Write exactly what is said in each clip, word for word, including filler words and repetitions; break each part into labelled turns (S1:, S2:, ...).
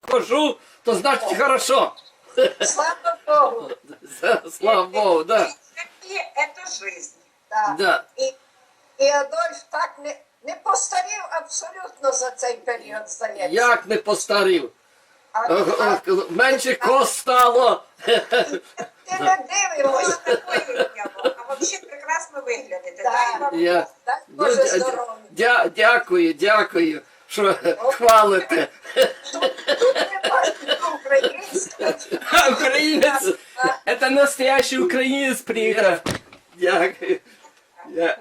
S1: хожу, то значить хорошо.
S2: Слава Богу.
S1: Слава Богу, да.
S3: И это жизнь.
S2: Да.
S1: Да.
S2: І, і Адольф так не, не постарів абсолютно за цей період, здається.
S1: Як не постарів.
S2: А,
S1: Е,
S2: а,
S1: е, Менше кост стало.
S2: ти не дивимося.
S3: Такое дело. А вообще прекрасно выглядите.
S2: Да.
S3: Дай вам
S1: Я...
S2: Дай
S1: Ну,
S2: Боже
S1: дя-
S2: здоров'я.
S1: дя- Дякую, дякую, що хвалите.
S2: Тут, тут не бачите українського.
S4: А, украинец! Это настоящий украинец приехал.
S1: Дякую. Я...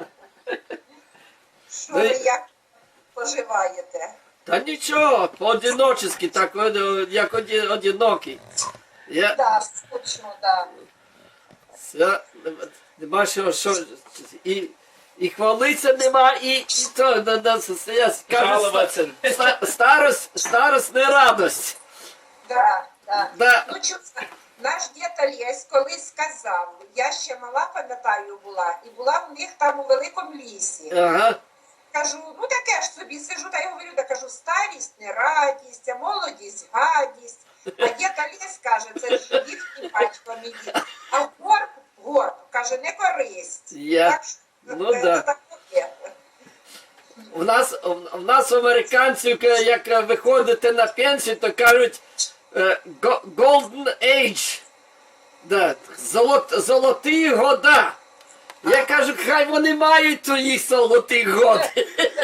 S3: що ви як поживаєте.
S1: Та нічого, по-одиночески, так, о, як оді- одинокий. Я...
S2: Да, скучно, да.
S1: Я... Нема що, що... І... І хвалиться нема, і, і то, на, на, я скажу,
S4: Жалуватися.
S1: ста- старость, старость не радость.
S2: Да, да.
S1: Да.
S3: Ну, чесно, наш дід Олесь колись сказав, я ще мала, пам'ятаю, була, і була в них там у великому лісі.
S1: Ага.
S3: Кажу, ну таке ж собі, сижу та й говорю, та кажу, старість не радість, а молодість гадість. А дід Олесь каже, це ж їхній батько мій дід. А горб, горб, каже, не користь.
S1: Я.
S3: Так що,
S1: Ну
S3: це
S1: да.
S3: таке.
S1: У нас, у нас американців, як виходите на пенсію, то кажуть е, го- Golden Age. Да, золот, золоті года. Я кажу, хай вони мають твої золоті годи.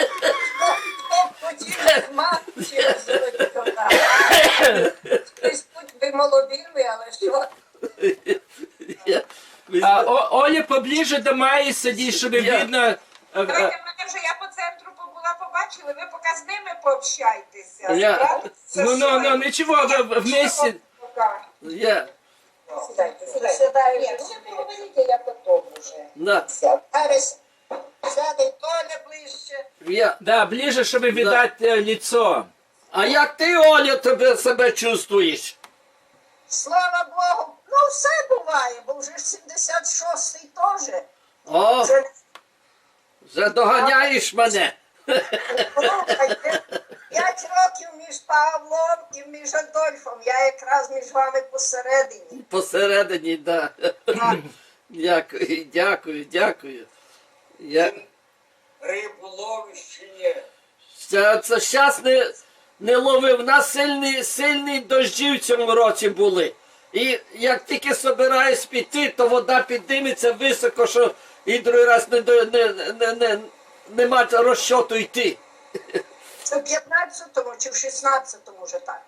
S2: Хотів мати через золоті года. Хтось будь би молодими, але що?
S1: Я-
S4: А, О- Оля поближе до Майи садись, чтобы
S1: Я-
S4: видно. э,
S3: Давайте,
S4: э,
S3: мене вже я по центру побула, побачила, ви поки з ними пообщайтеся.
S1: Я-
S3: Справиться,
S4: Ну, ну,
S3: що
S4: ну,
S3: ви?
S4: ничего, в- вместе.
S3: Пока.
S1: Я,
S2: Сідайте, сідайте. Ні, ну ви говорите, я потім вже.
S1: да,
S2: Зараз сяде Толя ближче.
S1: я.
S4: Да, ближе, чтобы видать э, лицо.
S1: А як ти, Оля, тебе себе чувствуєш?
S2: Слава Богу, ну все буває, бо вже ж сімдесят шостий теж.
S1: О,
S2: Вже
S1: вже доганяєш мене.
S2: слухайте, п'ять років між Павлом і між Адольфом. Я якраз між вами посередині.
S1: Посередині, да. Дякую, дякую, дякую. Я...
S5: Рибу ловиш чи ні?
S1: Це, це щас не, не ловив. У нас сильні, сильні дощі в цьому році були. І як тільки собираюсь піти, то вода підніметься високо, що і другий раз не, до- не, не, не, нема розчоту йти.
S2: Це в п'ятнадцятому чи в шістнадцятому вже так.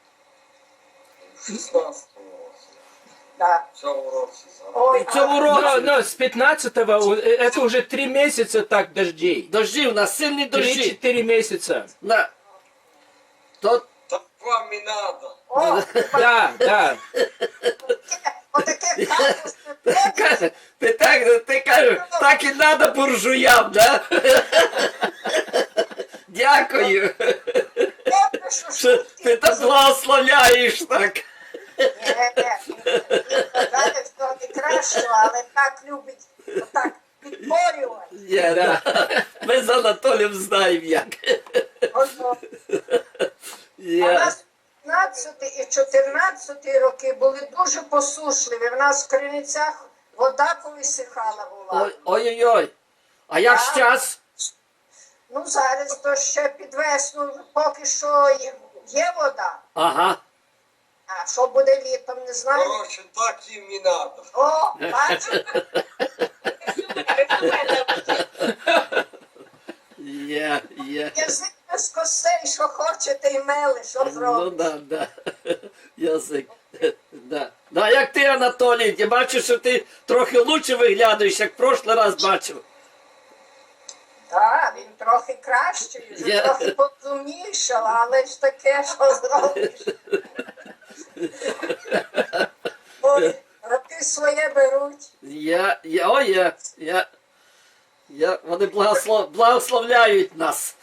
S5: В шістнадцятому році.
S2: Да.
S5: В цьому році зараз.
S2: Ой,
S1: В цьому
S2: а-
S4: Но,
S1: році
S4: но с пятнадцатого э, это уже три месяца так дождей.
S1: дощі, у нас сильні дощі.
S4: Три-четыре месяца.
S1: На. То,
S5: Так вам і надо.
S2: О,
S4: Да, да.
S2: отаке качество.
S1: каже, ти так, ти кажеш, так і треба буржуям, да? Дякую, що ти так благословляєш так.
S2: Далі хто не краще, але так любить отак підборювати.
S1: Є, да. Ми з Анатолієм знаємо як.
S2: Ото. А у
S1: Є.
S2: нас п'ятнадцятий і чотирнадцятий роки були дуже посушливі. В нас в Криницях вода повисихала була.
S1: Ой- Ой-ой-ой. А як ж час?
S2: Ну зараз то ще під весну поки що є, є вода.
S1: Ага.
S2: А що буде літом, не знаю.
S5: Коротше, так їм і надо.
S2: О, бачите?
S1: Є, є.
S2: Язик без костей, що хочете і мели, що
S1: Ну
S2: зробите.
S1: да, да. Язик. Да. Да, як ти, Анатолій, я бачу, що ти трохи лучше виглядаєш, як в прошлий раз бачив.
S2: Так, він трохи кращий, вже
S1: Я-
S2: трохи порозумнішав, але ж таке, що зробиш. Ой, роки своє беруть.
S1: Я, я, о, я, я, я, вони благослов, благословляють нас.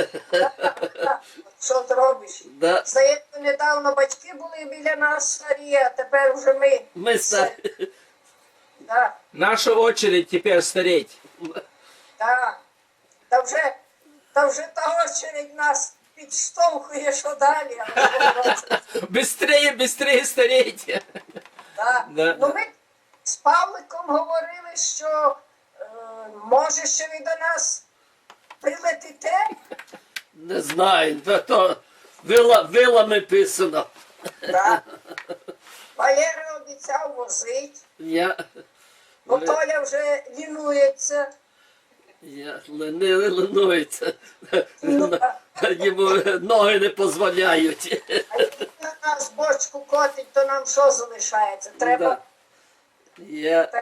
S2: Що зробиш?
S1: Да.
S2: Здається, недавно батьки були біля нас старі, а тепер вже ми.
S1: Ми ста-
S2: Так,
S4: Наша очередь теперь стареть.
S2: так. Та вже, та вже та очередь нас підштовхує, що далі. Але,
S4: Быстрее, быстрее старейте.
S2: да.
S4: Да,
S2: Ну,
S4: да.
S2: ми з Павликом говорили, що е, може ще ви до нас прилетите.
S1: Не знаю, то- то вила, вилами писано.
S2: Да. Валера обіцяв возить,
S1: Я,
S2: бо Толя вже лінується.
S1: я не линується.
S2: Ну,
S1: Йому ноги не дозволяють.
S2: А як на нас бочку котить, то нам що залишається? Треба
S1: Да. Я...
S2: так.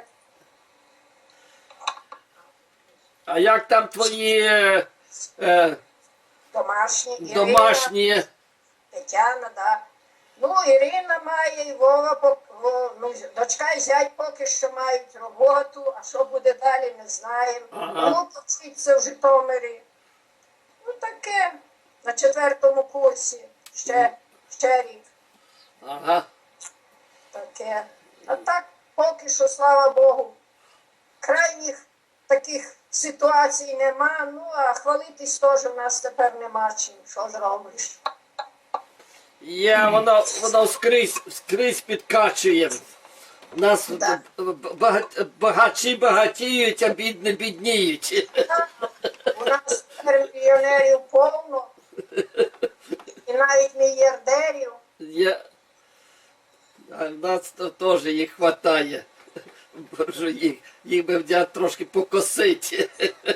S1: А як там твої е, е,
S2: Домашні. Ірина,
S1: домашні?
S2: Тетяна, да. Ну, Ірина має, і Вова, пок- во- ну, дочка і зять поки що мають роботу, а що буде далі, не знаємо.
S1: Ага.
S2: Ну, вчиться в Житомирі. Ну, таке, на четвертому курсі, ще, ще рік.
S1: Ага.
S2: Таке. А так, поки що, слава Богу, крайніх таких ситуацій нема. Ну, а хвалитись теж в нас тепер нема чим. Що зробиш?
S1: Є, воно, воно скрізь, скрізь підкачує. У нас
S2: Да.
S1: бага- багачі багатіють, а бідні бідніють.
S2: У нас тепер мільйонерів повно. І навіть мільярдерів.
S1: Я... А в нас то теж їх вистачає. Боже, їх, їх би взяти трошки покосити.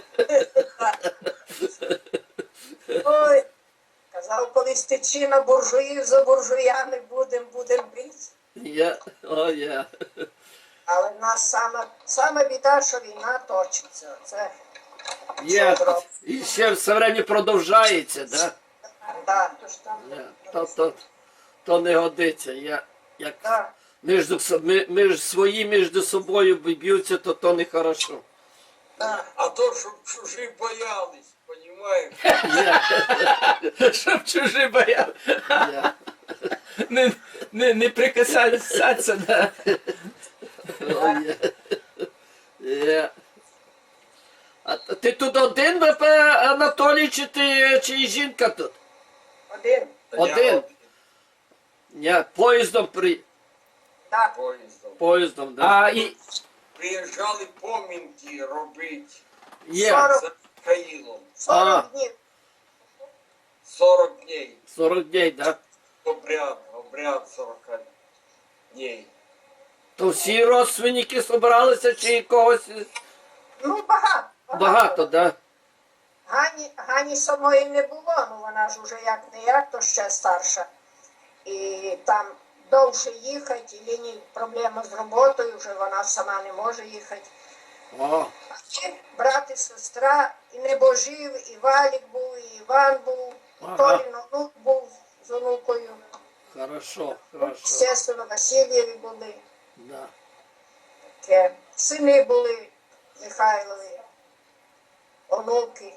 S2: Ой, казав, колись течі на буржуїв, за буржуями будем, будем бити.
S1: Я, о, я.
S2: Але в нас саме, саме біда, що війна точиться. Це,
S1: Є. І ще все время продовжається, да?
S2: да,
S1: Я, то, то, то не годиться. Я, як
S2: да.
S1: між, со- ми- між свої між собою б'ються, то то не хорошо.
S2: Да.
S5: А то, щоб чужі боялись, понімаєш?
S1: Я,
S4: Щоб чужі бояли.
S1: я,
S4: Не, не, не прикасатися, да.
S1: о, я, я. А ти тут один, Б П, Анатолій, чи ти, чи жінка тут?
S2: Один.
S5: Та я
S1: Один. Я поїздом при...
S2: Да.
S5: Поїздом.
S1: Поїздом, да.
S4: А, і,
S5: Приїжджали помінки робити
S1: Є.
S2: Сорок.
S5: за Михаїлом.
S2: сорок днів.
S5: сорок днів.
S1: сорок днів, да.
S5: Обряд, обряд сорок днів.
S1: То всі родственники зібралися, чи когось
S2: Ну, багато.
S1: багато, да?
S2: Гані, Гані самої не було, ну вона ж уже як не як, то ще старша. І там довше їхати, і Ліні проблема з роботою, вже вона сама не може їхати.
S1: О,
S2: А ще брат і сестра, і Небожив, і Валік був, і Іван був, і
S1: Ага.
S2: Толін онук був з онукою.
S1: хорошо, хорошо.
S2: Естественно, Васильєві були.
S1: Да.
S2: Таке. Сини були Михайлові, онуки,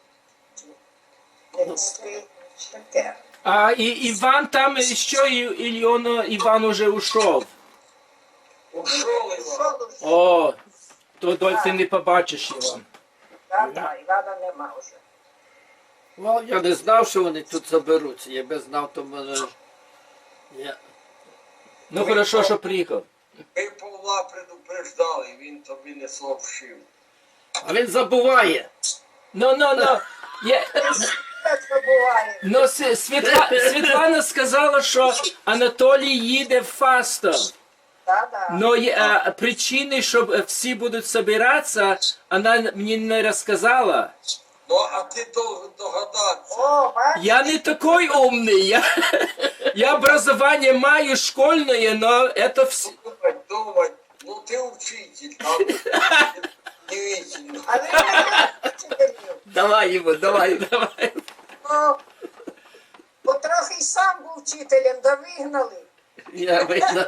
S2: невістки, таке.
S4: а і, Іван там що, і, Ільона, Іван уже ушов.
S5: Ушов Іван.
S2: Що дуже?
S4: О, то доль ти не побачиш його.
S2: Да, да, Івана нема вже.
S1: Ну, я не знав, що вони тут заберуться. Я би знав, то мене... ж- Я...
S4: Ну хорошо, що приїхав.
S5: Ми Павла предупреждали, він тобі не сообщив.
S1: А він забуває.
S4: Ну, ну, ну. Я,
S2: Так забуває.
S4: ну, С- Світла, Світлана сказала, що Анатолій їде в Фастов.
S2: Да, да.
S4: Но є, а, причини, щоб всі будуть збиратися, вона мені не розказала.
S5: Ну, а ти до- догадатися.
S2: О, бачиш?
S4: Я не такой умный. Я, я образование маю школьное, но это все...
S5: Думать, думать. Ну, ти учитель, там удивительно.
S2: А ви не вчителів.
S1: Давай йому, давай.
S4: Давай.
S2: Ну, бо трохи й сам був вчителем, да вигнали.
S1: Я видно.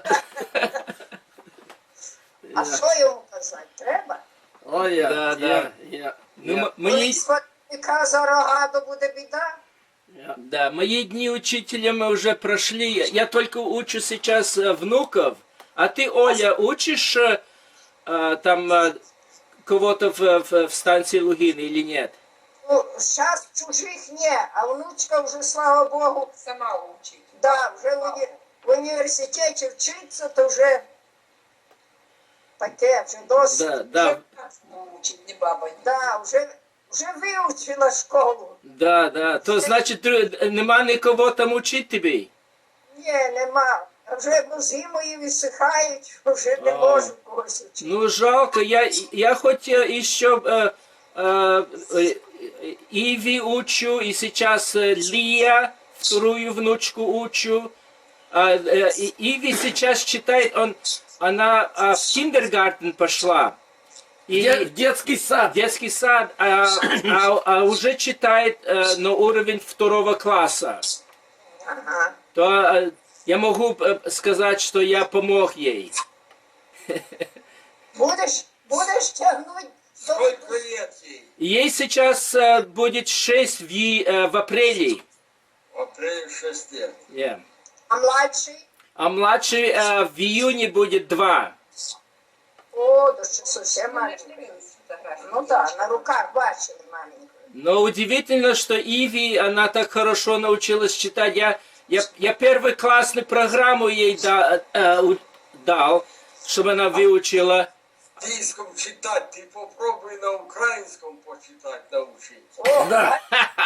S2: А що йому казати? Треба?
S1: О, я,
S4: Да,
S1: я,
S4: да.
S1: я,
S4: Ну,
S1: я,
S4: м- мені,
S2: Коли схватника за рога, то буде біда.
S1: я.
S4: да, мои дни учителями уже прошли. Я только учу сейчас э, внуков. А ты, Оля, учишь э, э, там э, кого-то в, в, в станции Лугины или нет?
S2: Ну, зараз чужих ні, а внучка вже, слава Богу,
S3: Сама учить.
S2: да, вже в, уні- в університеті вчиться, то вже таке, вже досить.
S4: Да,
S3: Вже
S4: да,
S3: нас учить, не баба.
S2: Да, вже, вже вивчила школу.
S4: да, да. То значить, дру- нема нікого там учить тобі?
S2: Ні, нема. А вже зимою висихають, вже не
S4: А.
S2: можу когось вчити.
S4: Ну, жалко, я, я хоть э, еще э, э, э, Иви учу, и сейчас э, Лия, вторую внучку учу. А, э, и Иви сейчас читает, он, она а, в киндергартен пошла. И
S1: Де- в детский сад.
S4: детский сад, а, а- а уже читает э, на уровень второго класса.
S2: Ага.
S4: То э, я могу э, сказать, что я помог ей.
S2: Будеш, будеш тягнути до
S5: Сколько лет ей?
S4: Ей сейчас э, будет шесть в, и- э, в апреле.
S5: В апреле шесть лет.
S4: Yeah.
S2: А младший?
S4: А младший э, в июне будет два.
S2: О, да ще зовсім
S3: Ми ж
S2: маленький.
S3: дивилися фотографії.
S2: Ну так, да, на руках бачили маленького.
S4: Но удивительно, что Иви, она так хорошо научилась читать. Я, я, я первый классную программу ей да- э, у- дал, чтобы она выучила.
S5: Английском читать, ты попробуй на украинском почитать научиться.
S2: О,
S1: Да.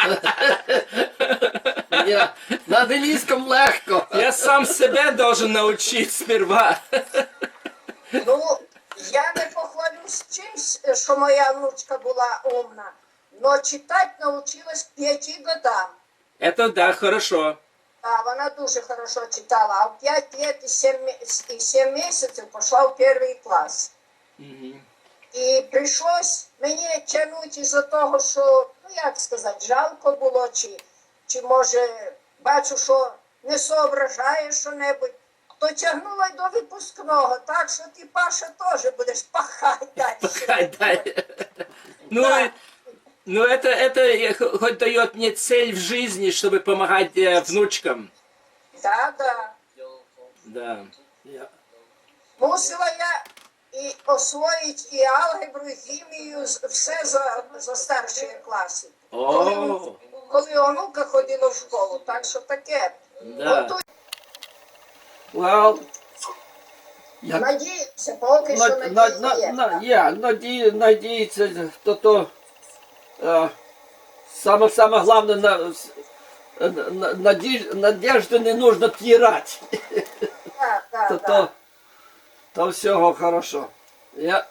S1: Ні, на англійському легко.
S4: Я сам себя должен научить сперва.
S2: ну, я не похвалюсь чимсь, що моя внучка була умна, но читати навчилась п'яти годам.
S4: Это да, хорошо.
S2: А вона дуже хорошо читала, а в п'ять лет і сім, і сім місяців пішла в перший клас.
S4: Мгм.
S2: І прийшлось мені тягнути із-за того, що, ну як сказати, жалко було, чи, чи може бачу, що не соображає що-небудь, то тягнула й до випускного, так що ти, Паша, теж будеш пахати далі.
S4: Пахать, да. Ну,
S2: Да.
S4: и- ну это, это х- хоть дает мне цель в жизни, чтобы помогать э, внучкам.
S2: Да, да.
S5: Дело в том,
S4: Да.
S1: Я-
S2: Мусила я і освоїти і алгебру, і хімію, з- все за, за старші класи. Коли,
S4: О,
S2: коли онука ходила в школу, так що таке.
S4: да.
S2: Готуй,
S1: Well, я
S2: надіюся, поки що
S1: на, на,
S2: надії
S1: на,
S2: є.
S1: на, я надію, надіється, то то е, саме саме головне на, на, на, надіж- надежди не нужно тирати.
S2: Так, так,
S1: То,
S2: так.
S1: то, то всього хорошо. Я,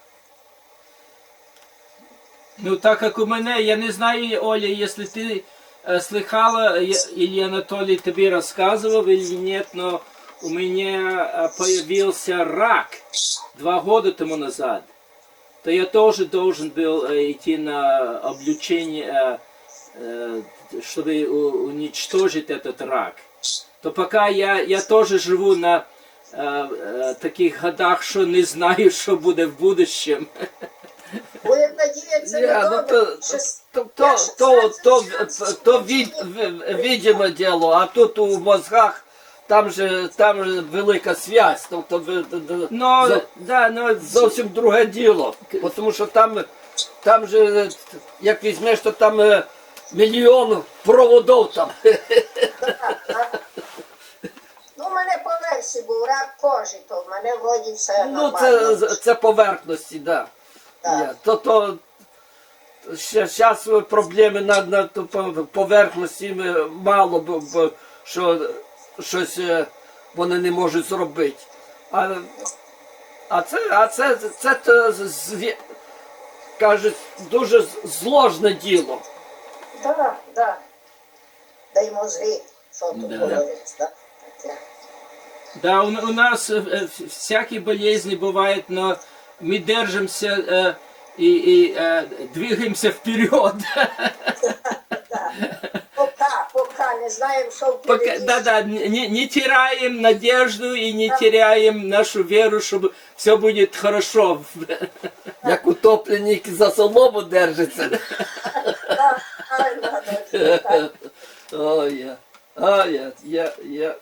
S4: Ну, так как у меня, я не знаю, Оля, если ты э, слыхала, я- или Анатолий тебе рассказывал или нет, но у меня э, появился рак два года тому назад. То я тоже должен был э, идти на облучение, э, э, чтобы у- уничтожить этот рак. То пока я, я тоже живу на э, э, таких годах, что не знаю, что будет в будущем.
S2: Будемо надіятися
S1: я,
S2: на
S1: ну,
S2: добре.
S1: то,
S2: Щас-
S1: то,
S2: я
S1: то,
S2: щас
S1: то, то,
S2: шансів
S1: то від, в- видиме діло, а тут у мозгах там же, там же велика связь, тобто ви- д- д-
S4: Но,
S1: зо-
S4: да, но
S1: зовсім друге діло. Бо тому що там, там же, як візьмеш, то там е, мільйон проводов там.
S2: Ну, у мене по версії був рак кожи, то в мене вроді все
S1: Ну,
S2: нормально.
S1: це, це поверхності, да.
S2: Так.
S1: Я, то, то, ще, зараз проблеми на, на то по- поверхності ми мало, бо, бо, що щось е, вони не можуть зробити. А, а це, а це, це, це, то зві- кажуть, дуже зложне діло.
S2: Так, так. Дай мозги, що тут
S4: Да.
S2: говорить, так? Таке.
S4: Да, у, у нас э, э, всякие болезни бывают, но мы держимся э, и, и э, двигаемся вперед.
S2: Пока, пока не знаємо, що
S4: Пока,
S2: впереді.
S4: да, да, не, не теряем надежду и не теряем нашу веру, что все будет хорошо.
S1: Як утопленник за солому держиться.
S2: Так, правильно, так.
S1: Ой, я. Ой, я, я, я.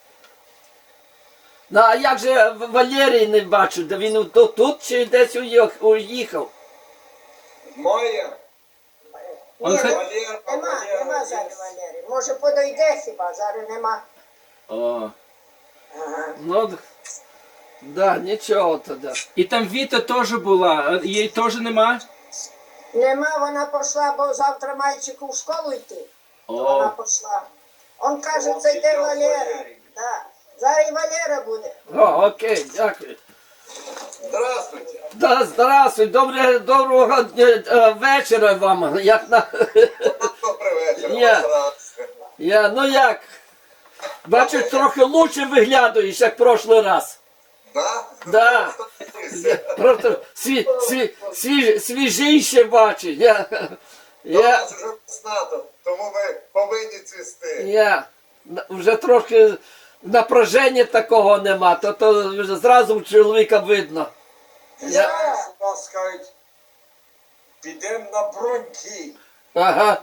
S1: Ну, а як же Валерій не бачу, де він тут, тут чи десь уїх- уїхав?
S5: Моя,
S4: Он
S2: Ні,
S4: хо-
S5: Валера,
S2: нема,
S5: Валера
S2: нема
S5: є.
S2: зараз Валери. Може подойде хіба, зараз нема.
S4: О.
S2: Ага.
S1: Ну, да, нічого тоді.
S4: І там Віта теж була, а її теж нема?
S2: Нема, вона пішла, бо завтра мальчику в школу йти. То вона
S4: О.
S2: пішла. Он каже,
S5: О,
S2: це йде
S5: піде
S2: Валера.
S5: Валерій.
S2: Да. Зараз і Валера буде.
S1: О, окей, дякую.
S5: Здравствуйте.
S1: Да, здравствуй, добре, доброго дня, е, вечора вам. Як на...
S5: Добрий вечір.
S1: Ні.
S5: вас радий.
S1: Я, ну як? Бачу, трохи лучше виглядаєш, як прошлий раз.
S5: Да?
S1: Да. Просто сві, сві, свіж, свіжіше бачу. Я,
S5: У
S1: я,
S5: нас вже весна, тому ми повинні цвісти.
S1: я вже трохи напряження такого нема, то, то вже зразу чоловіка видно. Я,
S5: Знаєш, у нас скажуть, підемо на броньки.
S1: ага.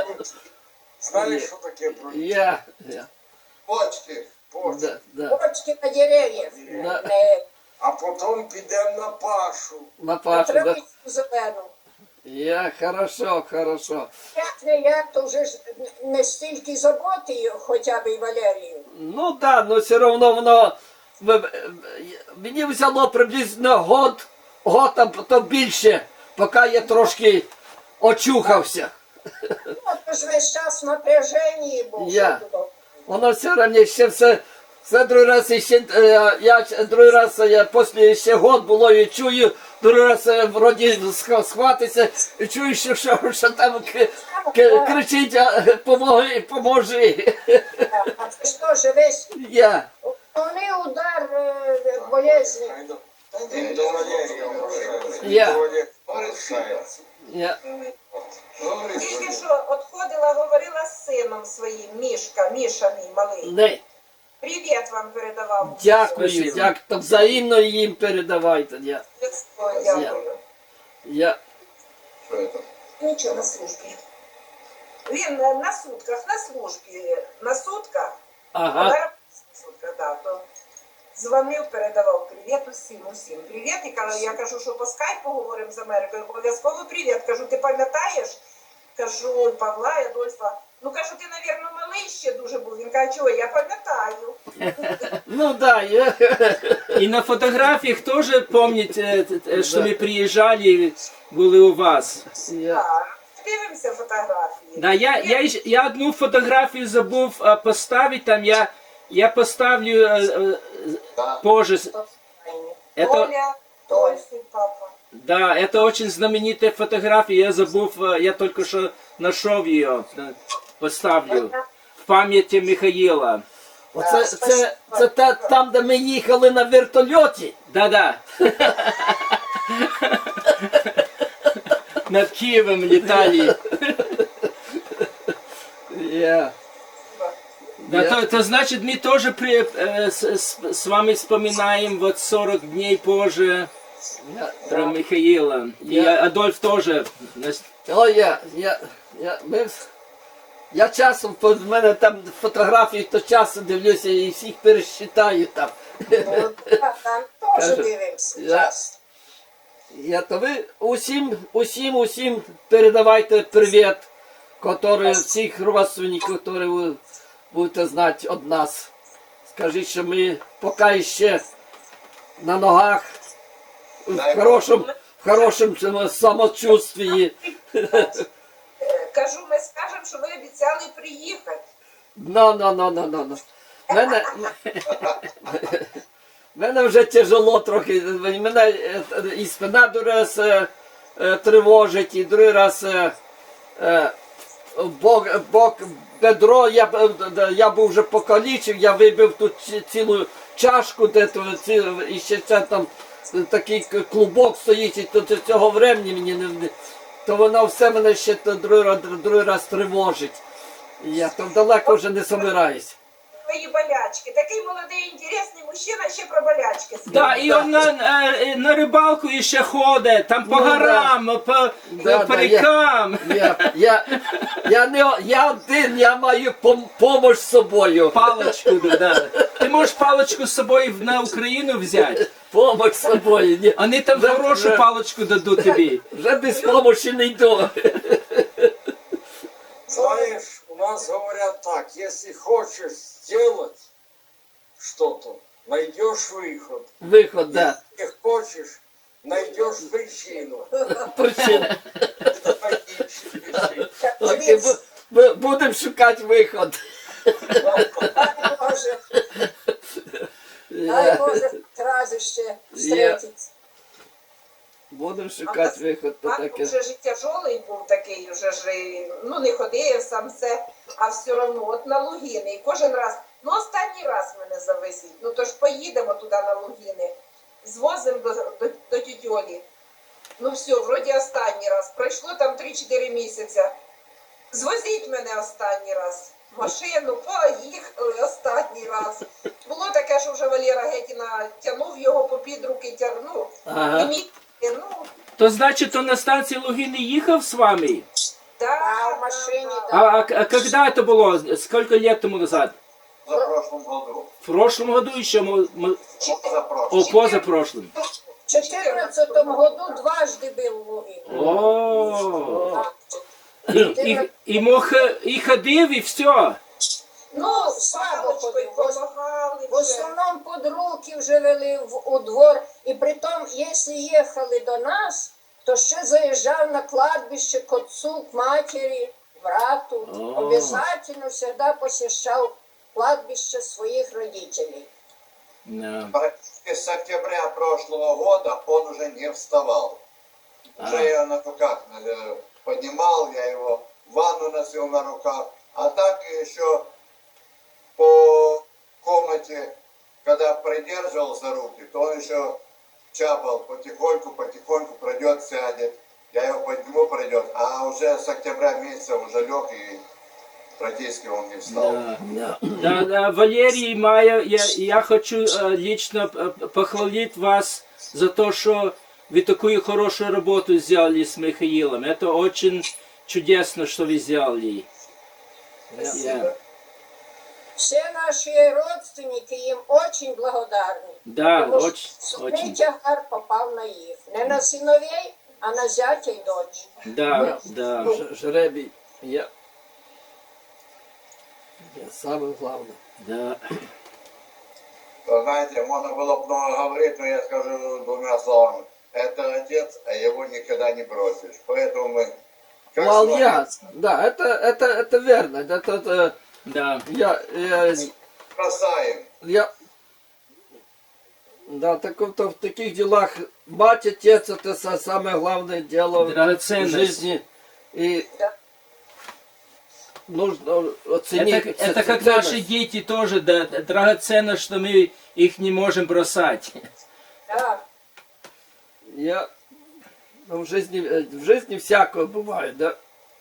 S5: Знаєш, що таке броньки?
S1: Я, я.
S5: Почки, почки.
S1: Да, да.
S2: Почки на дерев'ях.
S1: Да.
S2: Не
S5: А потім підемо на пашу.
S1: На Пашу, да.
S2: травицю зелену.
S1: Я, хорошо, хорошо.
S2: Як не як, то вже ж не стільки заботи хоча б і Валерію.
S1: Ну да, но все равно воно в- в- мені взяло приблизно год, год а потім більше, поки я трошки очухався.
S2: Ну, то ж весь час в напряженні був.
S1: Я.
S2: що тут.
S1: Воно все одно ще все, все другий раз і ще, е, я ч- другий раз я після ще год було і чую, другий раз е, вроді сх- схватиться, і чую, що, що, що там к, к, кричить, а, помоги, поможи.
S2: А це ж теж весь
S1: Я.
S2: основний удар е, болезні.
S5: Він до Валерія обращається.
S1: Я.
S5: До Валерія обращається.
S1: Я.
S5: Говори,
S3: Тільки
S5: Валерій.
S3: що отходила, говорила з сином своїм, Мішка, Міша мій малий.
S1: Не.
S3: Привіт вам передавав.
S1: Дякую,
S4: Спасибо.
S1: дякую. То взаємно їм передавайте. Я,
S3: О, дякую.
S1: я,
S5: Що це?
S3: Нічого на службі. Він е, на сутках, на службі, на сутках, а
S1: ага.
S3: на сутках, да, то дзвонив, передавав привіт усім, усім. Привіт, і кажу, я кажу, що по скайпу говоримо з Америкою, обов'язково привіт. Кажу, ти пам'ятаєш? Кажу, Павла і Адольфа. Ну, кажу, ти, навірно, малий ще дуже був. Він каже, чого, я пам'ятаю.
S1: Ну да, я,
S4: И на фотографиях тоже помните, э, э, что мы приезжали, были у вас.
S1: я.
S3: Так, дивимося фотографії.
S4: Да, я, я, ещё- я одну фотографию забыл а, поставить, там я, я поставлю э, э,
S5: Так.
S4: позже. Это,
S3: Оля, Дольфи, папа.
S4: да, это очень знаменитая фотография, я забыл, э, я только что нашел ее, э, поставлю. В памяти Михаила.
S1: Оце, це, це та, там, де ми їхали на вертольоті.
S4: Да-да. Над Киевом летали.
S1: Я.
S4: Да,
S1: Я-
S4: то, то значит, мы тоже при, э, с, с- с вами вспоминаем вот сорок дней позже
S1: Я.
S4: про Михаила. И
S1: Я-
S4: Адольф тоже. Нас-
S1: О, я, я, я, ми, в- я часом, по- в мене там фотографії, то часом дивлюся і всіх пересчитаю там.
S2: Ну, так, там теж
S1: Кажу,
S2: дивимося.
S1: я-
S2: час.
S1: Я, то ви усім, усім, усім передавайте привіт, які всіх родственників, які ви будете знати від нас. Скажіть, що ми поки ще на ногах, в хорошому, в хорошому цьому самочувстві.
S3: Е, Кажу, ми скажемо, що ви обіцяли приїхати.
S1: Ну, ну, ну, ну, ну, ну. Мене, мене вже тяжело трохи. Мене е, і спина другий раз е, е, тривожить, і другий раз е, е, бок, бок, бедро, я, б- е, я був вже покалічив, я вибив тут ці- цілу чашку, де, то, ці, і ще це там такий к- клубок стоїть, і то, то цього времени мені не, не- то воно все мене ще то другий, раз- другий раз тривожить. І я там далеко вже не собираюсь.
S3: Твої болячки. Такий молодий, інтересний мужчина, ще про болячки.
S4: Да, и он на, э, на рыбалку еще ходит, там по
S1: Ну, да.
S4: горам, по,
S1: Да,
S4: по
S1: да, я-
S4: рекам.
S1: Я, я, я, не, о- я один, я маю пом, помощь з собою.
S4: Палочку, да. Ты можешь палочку с собой в- на Украину взять.
S1: Помощь з собою. Ні,
S4: Они там
S1: Да,
S4: хорошую
S1: да.
S4: палочку дадут тебе.
S1: вже без помощі не йду.
S5: нас говорят так, если хочешь сделать что-то, найдешь выход.
S1: Виход, да.
S5: Если хочешь, найдешь причину.
S1: Причина.
S5: Логичную причину.
S1: Окей, бу- бу- будемо шукати виход.
S2: Дай Боже, дай Боже, рази ще зустрітися.
S1: Будемо шукати виход, то
S3: А
S1: таке.
S3: вже ж і тяжолий був такий, вже ж і, ну не ходив сам все, а все одно от на Лугини. І кожен раз, ну останній раз мене завезіть. Ну то ж поїдемо туди на Лугини, звозимо до, до, до тіті Олі. Ну все, вроді останній раз. Пройшло там три-чотири місяця. Звозіть мене останній раз. Машину, поїхали останній раз. Було таке, що вже Валера Гетіна тягнув його попід руки, тягнув.
S1: Ага.
S3: І мій, ну,
S4: То значить, он на станції Лугини їхав з вами?
S3: да,
S2: А в машині,
S3: да,
S4: А, а, а когда это было? Сколько лет тому назад?
S6: За прошлом году.
S4: В прошлом году еще? мы- мы-
S6: За прошлым.
S4: О, позапрошлым.
S2: В чотирнадцятому году дважди був Лугин.
S4: О, і, і, і мог, і ходив, і все.
S2: Ну, слабо ходив. В ос-
S3: помагали
S2: В основному під руки вже вели в, у двор. І притом, якщо їхали до нас, то ще заїжджав на кладбище к отцу, к матері, брату.
S4: О.
S2: Обязательно завжди посещав кладбище своїх родителей.
S4: Да.
S6: Практически с октября прошлого года он уже не вставал. Уже
S4: А.
S6: я на руках э, поднимал, я его в ванну носил на руках. А так еще по комнате, когда придерживал за руки, то он еще чапал потихоньку, потихоньку пройдет, сядет. Я его подниму, пройдет. А уже с октября месяца уже лег и практически он не встал.
S4: Да.
S1: Да.
S4: Да, да, Валерий, Майя, я, я хочу э, лично э, похвалить вас за то, что вы такую хорошую работу сделали с Михаилом. Это очень чудесно, что вы сделали. Я-
S2: Всі наші родственники їм дуже благодарні.
S4: Да,
S2: Тому що
S4: очень,
S2: сумний
S4: очень.
S2: тягар попав на їх. Не на синовей, а на зятя й дочь.
S4: Да, да.
S1: Ж- Жребій. Я. Я саме головне.
S4: Да.
S6: Вы знаете, можно было бы много говорить, но я скажу двумя словами. Это отец, а его никогда не бросишь. Поэтому мы... как
S1: Молодец.
S6: смотрим,
S1: Да, это, это, это верно. Это, это,
S4: Да.
S1: я, я,
S6: бросаем.
S1: я, да, так, вот в таких делах мать, отец, это са- самое главное дело в
S4: Драгоценность.
S1: жизни. И
S2: Да.
S1: нужно оценить.
S4: Это, это как
S1: ценность.
S4: наши дети тоже, да, драгоценно, что мы их не можем бросать.
S2: Да.
S1: Я ну, в жизни, э, в жизни всякое бывает, да.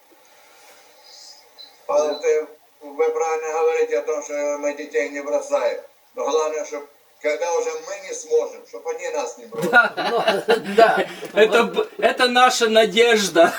S6: Павел, ты- вы правильно говорите о том, что мы детей не бросаем. Но главное, чтобы когда уже мы не сможем, чтобы они нас не бросили.
S1: Ну, да.
S4: Это, б- это наша надежда.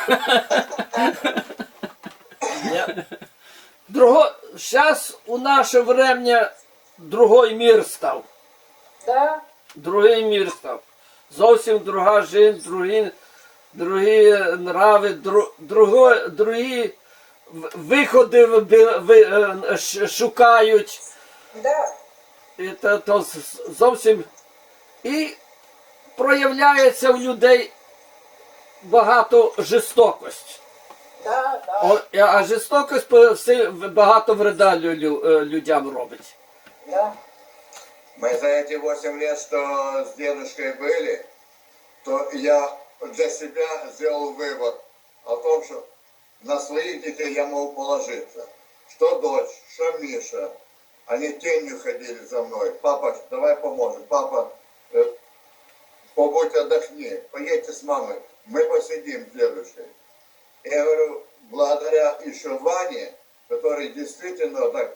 S1: Я- Друго... Сейчас у наше время другой мир став.
S2: Да.
S1: Другий мір став. Зовсім друга жизнь, другі, другі нрави, дру, друго, другі в- виходи ви- ви- е, ш- шукають.
S3: да.
S1: І то, то з- зовсім і проявляється в людей багато жорстокості.
S2: Да, да.
S1: О, а жорстокость по- все- багато вреда лю- лю- е, людям робить.
S2: Да.
S6: Мы за эти восемь лет, что с дедушкой были, то я для себя сделал вывод о том, что на своих детей я могу положиться. Что дочь, что Миша. Они тенью ходили за мной. Папа, давай поможем. Папа, э, побудь отдохни. Поедьте с мамой. Мы посидим с дедушкой. Я говорю, благодаря еще Ване, который действительно так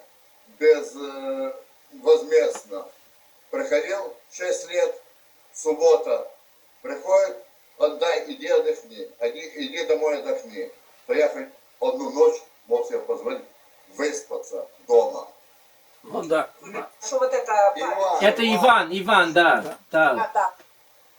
S6: безвозмездно приходил шесть лет, суббота, приходит, отдай, иди отдохни, иди, иди домой отдохни. То я хоть одну ночь мог себе позволить выспаться дома.
S1: Ну да.
S3: Що вот это
S6: Иван,
S4: Это Иван, Иван, да. да.
S2: Да, да.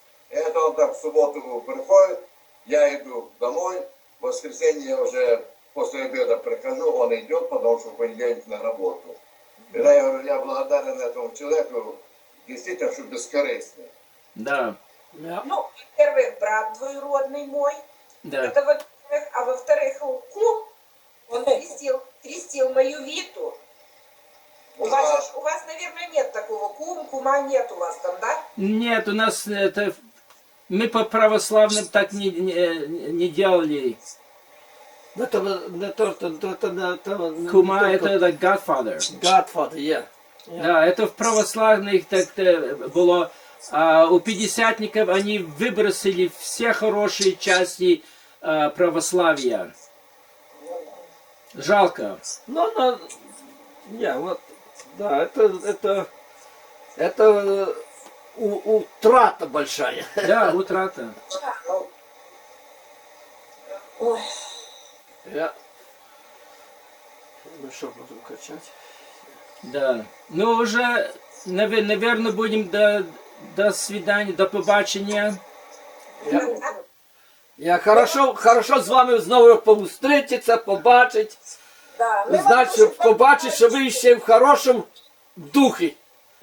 S6: Это он так в субботу приходит, я иду домой, в воскресенье я уже после обеда прихожу, он идет, потому что в понедельник на работу. Тогда я говорю, я благодарен этому человеку, действительно, что бескорыстный.
S4: Да,
S1: Я.
S3: Ну, во-первых, брат двоюродный мой.
S4: да.
S3: Это во-первых. А во-вторых, кум, он крестил, крестил мою Виту. У вас, же ж- у вас, наверное, нет такого. Кум, кума нет у вас там, да?
S4: Нет, у нас это... Мы по православным так не, не, не делали.
S1: Ну, то, не то, то, то, то, не то, не
S4: Кума
S1: только
S4: это like Godfather.
S1: Godfather, yeah.
S4: Да, это в православных так было. А у пятидесятников они выбросили все хорошие части а, православия. Жалко.
S1: Ну, ну, не, вот, да, это, это, это э, у- утрата большая.
S4: Да, утрата.
S3: Да, ну. Ой.
S1: Я. Ну что, будем качать?
S4: Да. Ну уже, наверное, будем до, до свидания, до побачення.
S1: Я, я хорошо, хорошо з вами знову повстрітися, побачити.
S2: Да, ми вам
S1: Значить,
S2: дуже
S1: побачити, що ви ще в хорошому духі.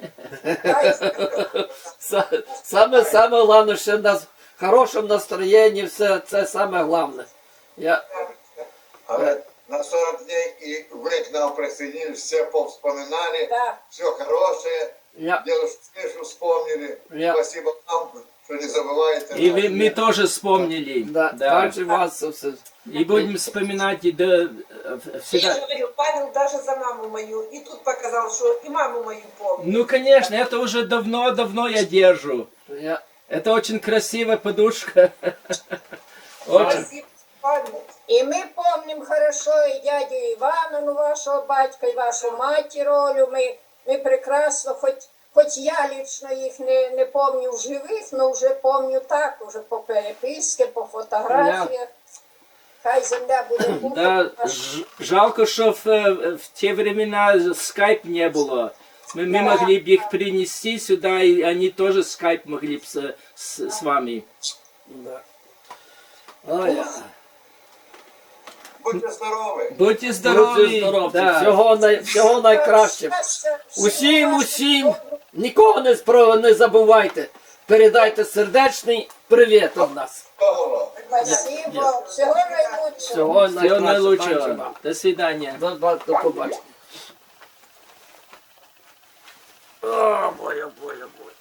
S1: Са- Саме, саме головне, що в нас в хорошому настроєнні, все, це саме головне. Я,
S6: А на сорок дней и вы к нам присоединились, все повспоминали,
S2: Да.
S6: все хорошее,
S1: я,
S6: дедушку Мишу вспомнили.
S1: Я-
S6: Спасибо вам, что не забываете.
S4: И
S6: нас.
S4: вы, мы тоже вспомнили.
S1: да,
S4: Да.
S1: так же вас все.
S4: И будем вспоминать и до, э,
S3: Я
S4: всегда.
S3: же говорю, Павел даже за маму мою. И тут показал, что и маму мою помнит.
S4: Ну, конечно, это уже давно-давно я держу.
S1: Я,
S4: Это очень красивая подушка. Очень.
S3: Спасибо, Павел.
S2: І ми пам'ятаємо хорошо і дядю Івана, ну, вашого батька, і вашу матір Олю. Ми, ми прекрасно, хоч, хоч я лічно їх не, не пам'ятаю в живих, але вже пам'ятаю так, уже по переписці, по фотографіях. Хай земля буде
S4: Да,
S2: пухом.
S4: ж- жалко, что в, э, в те времена скайп не было. Мы, мы могли бы их принести сюда, и они тоже скайп могли бы с, с, с вами.
S1: да. Ой, я.
S6: Будьте здоровы.
S4: Будьте здоровы.
S1: Будьте здорові.
S4: Да.
S1: Всього, най, всього найкращого. Усім, усім, нікого не, спро, не забувайте. Передайте сердечний привіт від нас.
S6: Здорово.
S2: Спасибо. Всього найкращого.
S1: Всього
S4: Всего
S1: найкращого.
S4: наилучшего. До свидания.
S1: До, до, до побачення. О, бой, о, бой, о, бой.